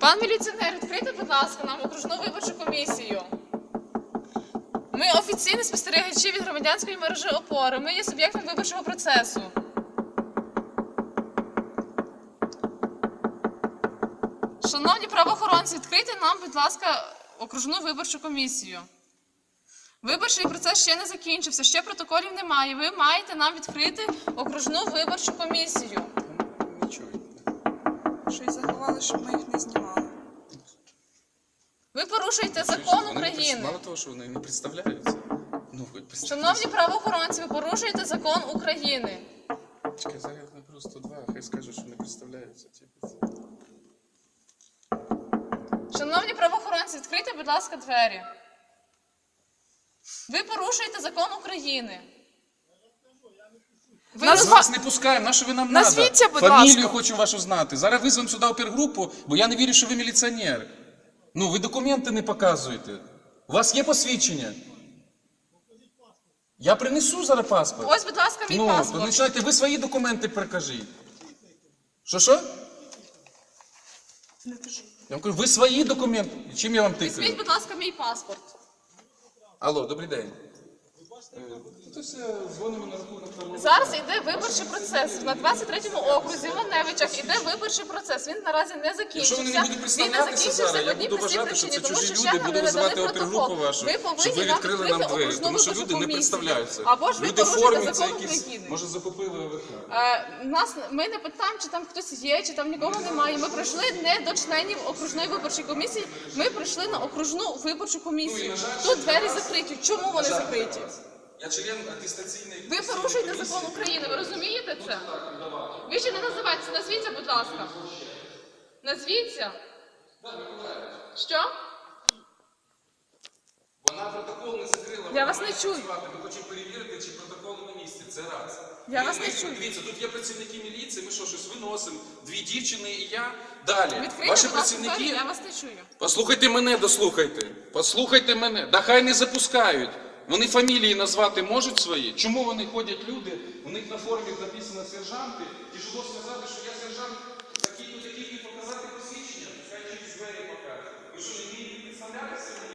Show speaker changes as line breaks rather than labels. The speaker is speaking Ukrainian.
Пан міліціонер, відкрийте, будь ласка, нам окружну виборчу комісію. Ми офіційні спостерігачі від громадянської мережі «Опора». Ми є суб'єктом виборчого процесу. Шановні правоохоронці, відкрийте нам, будь ласка, окружну виборчу комісію. Виборчий процес ще не закінчився, ще протоколів немає. Ви маєте нам відкрити окружну виборчу комісію.
Нічого.
Що і заховали, щоб ми їх не знімали.
Ви порушуєте закон України.
Мало того, що вони не представляються. Ну, хоч представляються.
Шановні правоохоронці, ви порушуєте закон України.
Чекай, зараз не просто два, хай скажуть, що не представляються.
Шановні правоохоронці, відкрийте, будь ласка, двері. Ви порушуєте закон України.
Ми вас не пускаємо, на що ви нам треба?
Назвіться, будь
Фамілію
ласка.
хочу вашу знати. Зараз визвемо сюди опергрупу, бо я не вірю, що ви міліціонер. Ну, ви документи не показуєте. У вас є посвідчення? Я принесу зараз паспорт.
Ось, будь ласка, мій
То
паспорт.
починайте, ви свої документи прикажіть. Що?
Не кажи.
Я вам кажу, ви свої документи. Чим я вам
Візьміть,
тикаю?
будь ласка, мій паспорт.
Алло, добрий день. Дзвонимо на рахунок там.
Зараз йде виборчий процес. На 23-му окрузі в Маневичах йде виборчий процес. Він наразі не закінчився.
Якщо вони не будуть представлятися зараз, я буду вважати, що це чужі люди, буду визивати опергрупу вашу, щоб ви відкрили нам двері, тому що люди не представляються.
Або ж ви
Люди
порушуєте
формуються
закон
якісь,
України.
може закупили ОВК.
Ми не питаємо, чи там хтось є, чи там нікого немає. Ми прийшли не до членів окружної виборчої комісії, ми прийшли на окружну виборчу комісію. Тут двері закриті. Чому вони закриті?
Я член атестаційної...
Ви порушуєте закон України, ви розумієте це? Ви ще не називаєтеся, назвіться, будь ласка. Назвіться. Що?
Вона протокол не закрила.
Я вас не чую.
Ми хочемо перевірити, чи протокол на місці. Це раз.
Я вас не чую.
Дивіться, тут є працівники міліції, ми що, щось виносимо. Дві дівчини і я. Далі.
Відкрийте,
Ваші
будь ласка,
працівники...
двері, я вас не чую.
Послухайте мене, дослухайте. Послухайте мене. Да хай не запускають. Вони фамілії назвати можуть свої? Чому вони ходять люди, у них на формі написано сержанти, тяжело сказати, що я сержант такий-то, такий, і показати посвідчення, хай через двері покажуть. Ви що, не вмієте представлятися?